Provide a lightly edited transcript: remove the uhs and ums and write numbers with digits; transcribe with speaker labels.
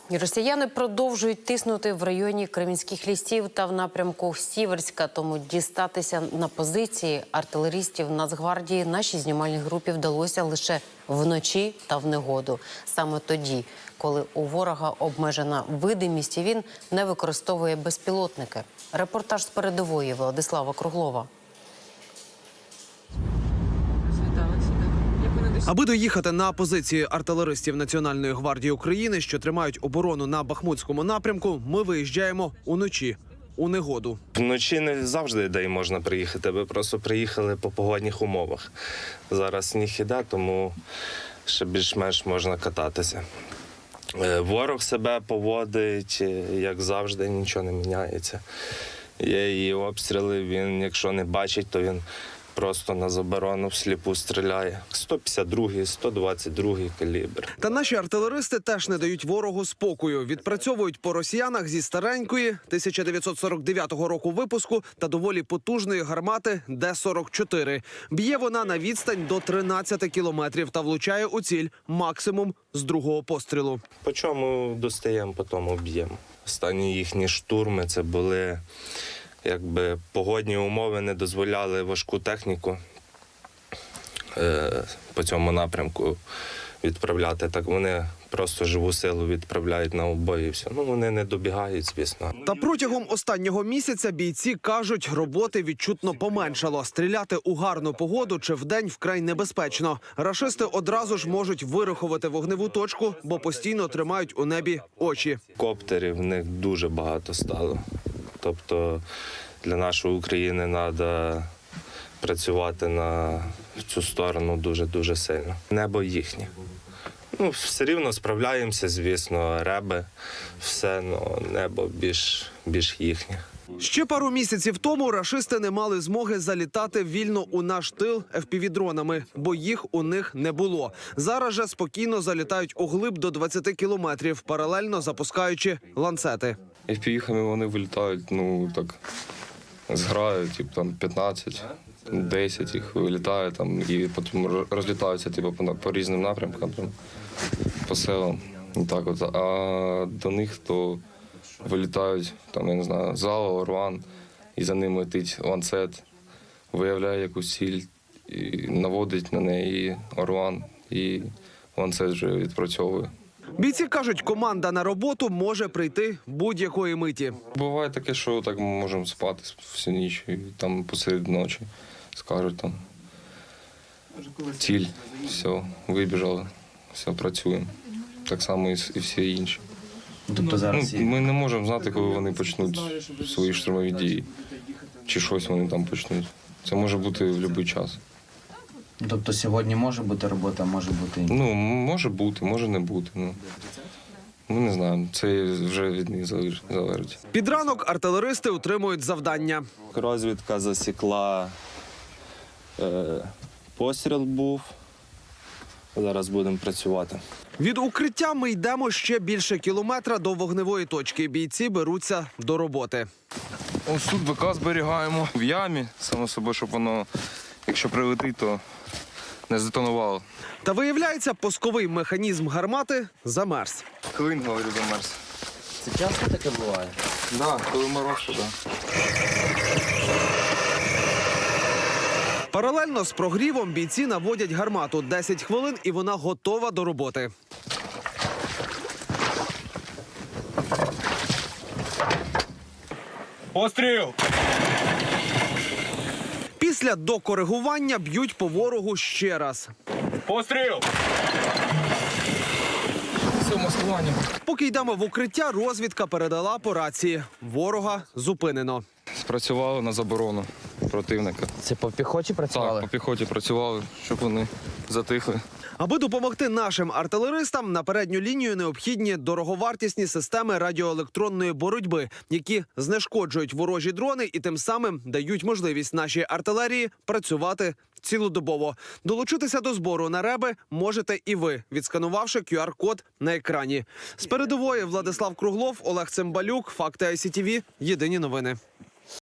Speaker 1: Росіяни продовжують тиснути в районі Кремінських лісів та в напрямку Сіверська, тому дістатися на позиції артилеристів Нацгвардії нашій знімальній групі вдалося лише вночі та в негоду. Саме тоді, коли у ворога обмежена видимість і він не використовує безпілотники. Репортаж з передової Владислава Круглова.
Speaker 2: Аби доїхати на позиції артилеристів Національної гвардії України, що тримають оборону на Бахмутському напрямку, ми виїжджаємо уночі, у негоду.
Speaker 3: Вночі не завжди де можна приїхати, ви просто приїхали по погодних умовах. Зараз сніг іде, тому ще більш-менш можна кататися. Ворог себе поводить, як завжди, нічого не міняється. Є і обстріли, він, якщо не бачить, то він просто на заборону всліпу стріляє. 152-й, 122-й калібр.
Speaker 2: Та наші артилеристи теж не дають ворогу спокою. Відпрацьовують по росіянах зі старенької 1949 року випуску та доволі потужної гармати Д-44. Б'є вона на відстань до 13 кілометрів та влучає у ціль максимум з другого пострілу.
Speaker 3: По чому достаємо, по тому б'ємо. Останні їхні штурми – це були... Якби погодні умови не дозволяли важку техніку по цьому напрямку відправляти. Так вони просто живу силу відправляють на обої і все. Ну, вони не добігають, звісно.
Speaker 2: Та протягом останнього місяця бійці кажуть, роботи відчутно поменшало. Стріляти у гарну погоду чи вдень вкрай небезпечно. Рашисти одразу ж можуть вирахувати вогневу точку, бо постійно тримають у небі очі.
Speaker 3: Коптерів в них дуже багато стало. Тобто для нашої України треба працювати на цю сторону дуже-дуже сильно. Небо їхнє. Ну, все рівно справляємося, звісно, реби, все, але небо більш їхнє.
Speaker 2: Ще пару місяців тому рашисти не мали змоги залітати вільно у наш тил FPV-дронами, бо їх у них не було. Зараз же спокійно залітають углиб до 20 кілометрів, паралельно запускаючи ланцети.
Speaker 4: FPV-хами вони вилітають, ну так, зграють, типу там 15, 10 їх вилітає там і потім розлітаються типу, по різним напрямкам, там, по селам. І так от. А до них то вилітають, там, я не знаю, Зала, Орван, і за ним летить ланцет, виявляє якусь ціль, і наводить на неї Орван, і ланцет вже відпрацьовує.
Speaker 2: Бійці кажуть, команда на роботу може прийти будь-якої миті.
Speaker 4: Буває таке, що так ми можемо спати всю ніч, і там посеред ночі скажуть там ціль, все, вибіжали, все, працюємо. Так само і всі інші.
Speaker 5: Тобто зараз
Speaker 4: ми не можемо знати, коли вони почнуть свої штурмові дії, чи щось вони там почнуть. Це може бути в будь-який час.
Speaker 5: Тобто сьогодні може бути робота, а може бути...
Speaker 4: Ну, може бути, може не бути. Ну. Ми не знаємо, це вже від них залежить.
Speaker 2: Під ранок артилеристи утримують завдання.
Speaker 3: Розвідка засікла, постріл був, зараз будемо працювати.
Speaker 2: Від укриття ми йдемо ще більше кілометра до вогневої точки. Бійці беруться до роботи.
Speaker 4: Ось тут БК зберігаємо в ямі, само собою, щоб воно, якщо прилетить, то не здетонувало.
Speaker 2: Та виявляється, пусковий механізм гармати замерз.
Speaker 4: Клин, говорю, замерз.
Speaker 5: Це часто таке буває?
Speaker 4: Так, коли мороз, то так.
Speaker 2: Паралельно з прогрівом бійці наводять гармату. 10 хвилин і вона готова до роботи.
Speaker 6: Постріл!
Speaker 2: Після докоригування б'ють по ворогу ще раз.
Speaker 6: Постріл!
Speaker 4: Все, маскування.
Speaker 2: Поки йдемо в укриття, розвідка передала по рації. Ворога зупинено.
Speaker 4: Спрацювали на заборону противника.
Speaker 5: Це по піхоті працювали?
Speaker 4: Так, по піхоті працювали, щоб вони затихли.
Speaker 2: Аби допомогти нашим артилеристам, на передню лінію необхідні дороговартісні системи радіоелектронної боротьби, які знешкоджують ворожі дрони і тим самим дають можливість нашій артилерії працювати цілодобово. Долучитися до збору на реби можете і ви, відсканувавши QR-код на екрані. З передової Владислав Круглов, Олег Цимбалюк, Факти ICTV. Єдині новини.